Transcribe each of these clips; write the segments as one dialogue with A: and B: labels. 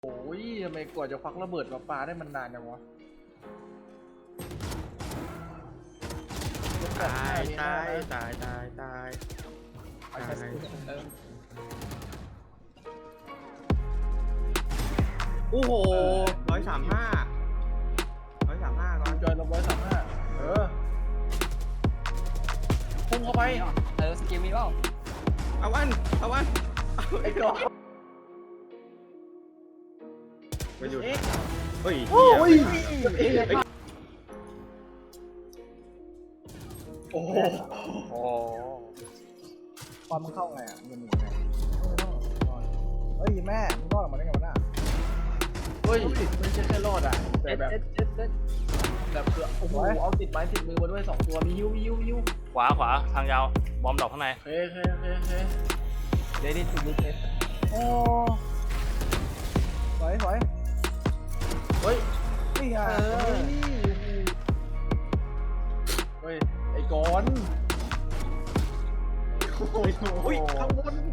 A: โอ้ยทำไมกว่าจะควักระเบิดมาปาได้มันนานจังวะ
B: ตายตายตายตายตาย โอ้โห135ก่อน
A: จอยลง135พุ่งเข้าไป
C: สกิลมีเปล่า
B: เอาวัน
A: ไอ้กอ
B: ไปหยุดเฮ้ย
A: โอ้ยโอ้โหความมันเข้าไงอ่ะมันหมุนไงเฮ้ยแม่มึงรอดออกมาได้ไงวะน่ะเฮ้ยไม่ใช่แค่รอดอ่ะแต่แบบเกือบโอ้โหเอาติดไม้ติดมือมาด้วย2ตัวมียิ้ว
D: ขวาทางยาวบอมดอกข้างใน
A: เฮ้เดดี้ทูลูเทสโอ้สวยเฮ้ยนี่ไงเฮ้ยไอ้กอนโอ้ยข้างบน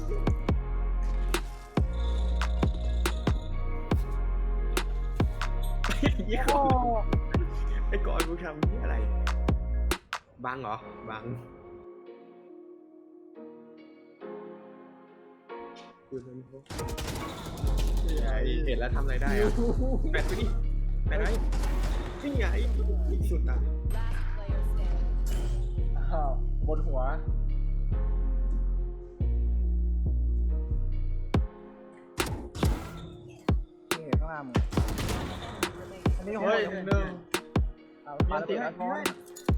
B: ไอ้ก่อนกูทำนี่อะไรบังเหรอบังเห็นแล้วทำอะไรได้อะแปดไปดิแปดไหนนี่ไงอีกสุดอ่ะ
A: บนหัวนี่ข้างล่างมึงอันนี้หัวหนึ่งมาติดไอคอน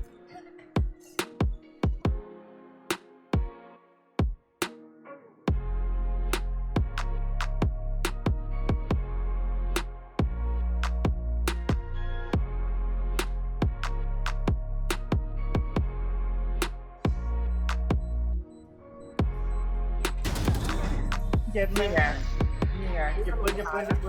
A: เจ็บนี่ไงเก็บปืน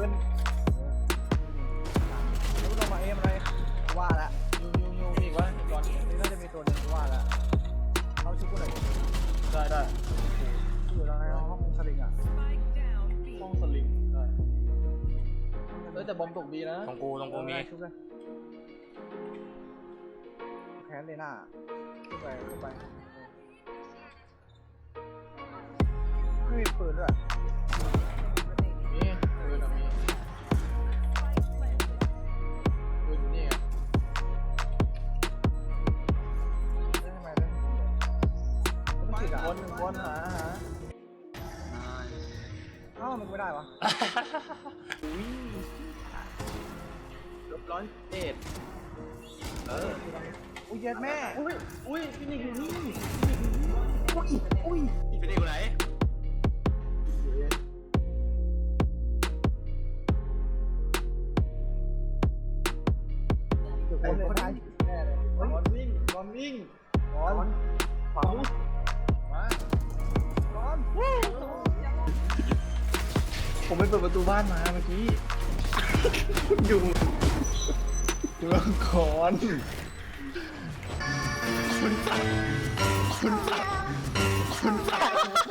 A: รู้ลงมาเอ็มอะไรว่าละยูอีกวะก่อนนี่น่าจะมีตัวหนึ่งว่าละเขาชุบกูหน่อยได้อยู่ในห้องสลิงอ่ะห้องสลิงได้แต่บอมตกดีนะ
D: ตรงกูมี
A: ชุบเลยแคนเลยหน้าขึ้นไปไม่มีปืนด้วยนี่ปืนมีปืนอยู่นี่ไงได้ทำไมได้ต้องติดวนหาเอ้ามันไม่ได้วะ
B: 101
A: อุ้ยเย็ดแม่อุ้ยพี่นิกอยู่นี่อุ้ย
B: พี่เป็นเด็กคนไหน
A: คนไทยแน่เลยบอลวิ่งฝังมาผมไปเปิดประตูบ้านมาเมื่อกี้อยู่ก่อนคุณตัด